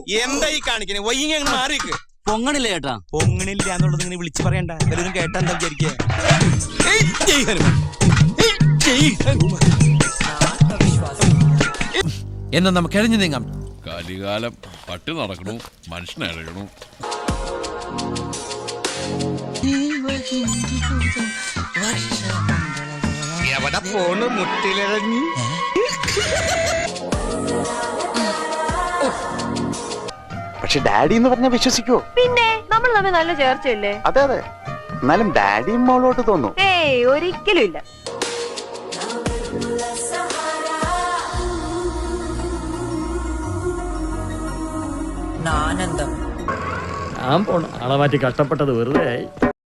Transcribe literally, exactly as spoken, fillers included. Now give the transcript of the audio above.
എന്താ ഈ കാണിക്കണേ വൈകി അങ്ങ് മാറിക്ക്. പൊങ്ങണില്ല ചേട്ടാ. പൊങ്ങണില്ല എന്നുള്ളത് ഇങ്ങനെ വിളിച്ചു പറയണ്ട. എല്ലാവരും കേട്ടാ എന്താ വിചാരിക്കുക? എന്നാ നമുക്ക് എഴഞ്ഞു നീങ്ങാം. കലികാലം പട്ടി നടക്കണു, മനുഷ്യനഴകണു. എവിടെ പോണ് മുട്ടിലിറങ്ങി? പക്ഷെ ഡാഡി എന്ന് പറഞ്ഞാൽ വിശ്വസിക്കോ? പിന്നെ നമ്മൾ തമ്മിൽ നല്ല ചേർച്ചയല്ലേ? അതെ അതെ, എന്നാലും ഡാഡിയും മോളോട്ട് തോന്നും. ഏയ് ഒരിക്കലും ഇല്ല. ഞാൻ പോണ ആളെ മാറ്റി കഷ്ടപ്പെട്ടത് വെറുതെ ആയി.